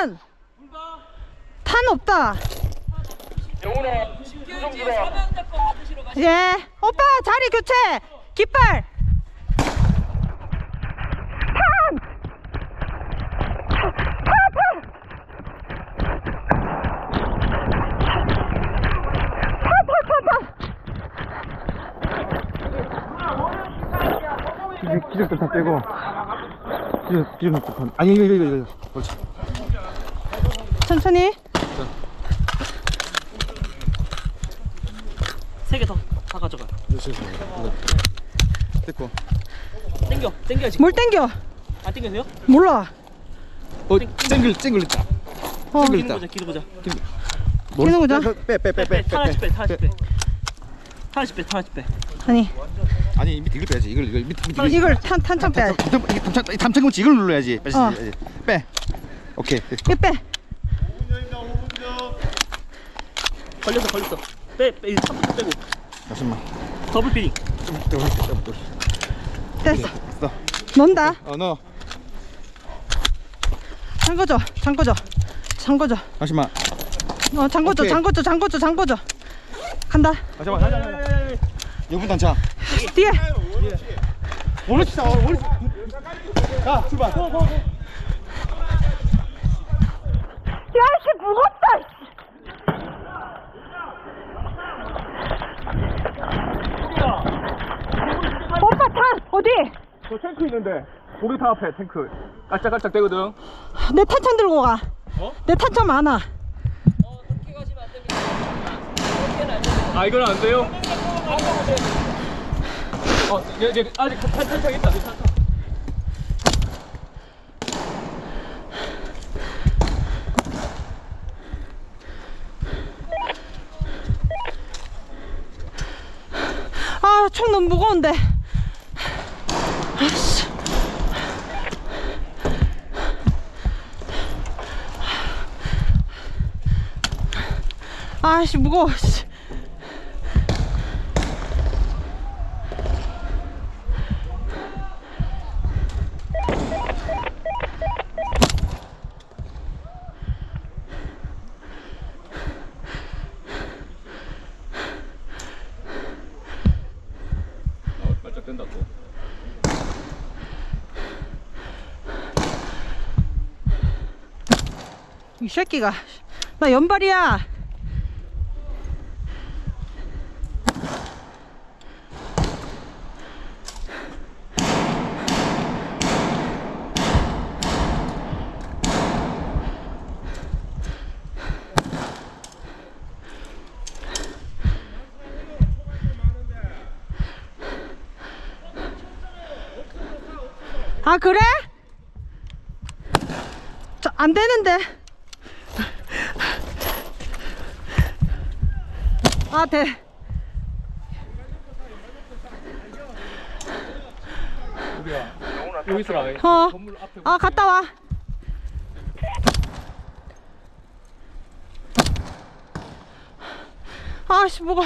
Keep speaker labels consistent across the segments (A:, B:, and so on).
A: 탄! 탄 없다. 예. 오빠 자리 교체. 깃발.
B: 기적들 다 빼고 기적 아니 이거 그렇지.
A: 천천히.
C: 세 개 더 다 가져가.
B: 됐고.
C: 땡겨야지.
A: 뭘 땡겨?
C: 안 땡겨세요?
A: 몰라.
B: 쨍글 있다.
A: 어.
B: 쨍글
C: 기는
B: 있다.
C: 거자, 기는 거자.
A: 기는 거자?
B: 빼.
C: 하나씩 빼. 하나씩 빼.
A: 아니
B: 아니 밑에 이걸 빼야지. 이걸 밑에
A: 이걸 탄창 빼.
B: 담창금치 이걸 눌러야지. 빼. 오케이.
A: 이거 빼.
C: 걸렸어. 빼. 이 3분 빼고.
B: 잠시만.
C: 더블 피딩.
A: 됐어.
B: 됐어.
A: 넣는다.
B: 넣어.
A: 잠궈줘.
B: 잠시만.
A: 잠궈줘.
B: 오케이.
A: 잠궈줘. 간다.
B: 잠시만. 여분 단차.
A: 뒤에.
B: 오른쪽. 자, 출발.
A: 야씨 무겁다. 오빠 탄 어디?
B: 저 탱크 있는데. 고기탕 앞에 탱크. 깔짝깔짝 되거든.
A: 내 탄창 들고 가. 내 탄창 많아.
B: 아, 이건 안 돼요? 얘 아직 탄창 있다.
A: 아, 총 너무 무거운데. 아씨. 아씨 무거워. 씨.
B: 깔짝 된다 또.
A: 이 새끼가 나 연발이야. 아 그래? 저 안 되는데. 아 돼.
B: 여기 있어라.
A: 아 갔다 와. 아씨 뭐가.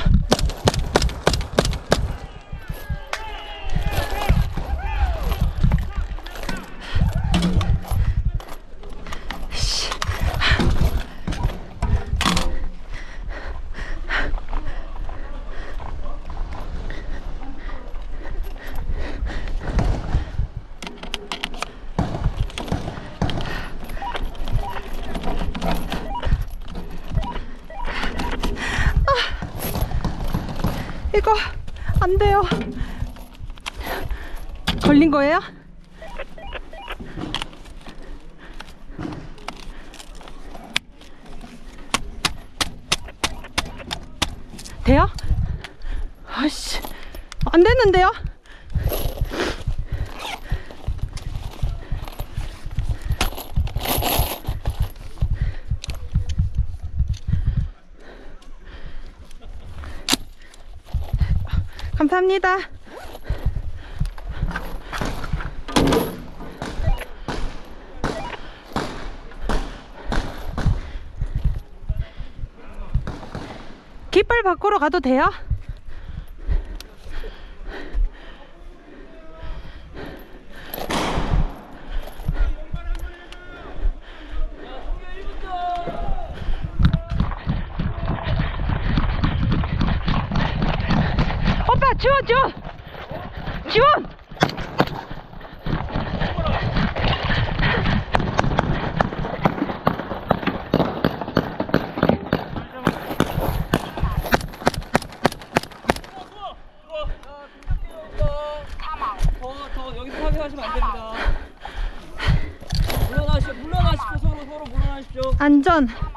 A: 이거 안 돼요. 걸린 거예요? 돼요? 아씨 안 됐는데요? 감사합니다. 깃발 바꾸러 가도 돼요? 지원 지원 지원.
C: 더 여기서 사격하시면 안 됩니다. 물러나십시오. 서로 물러나십시오.
A: 안전.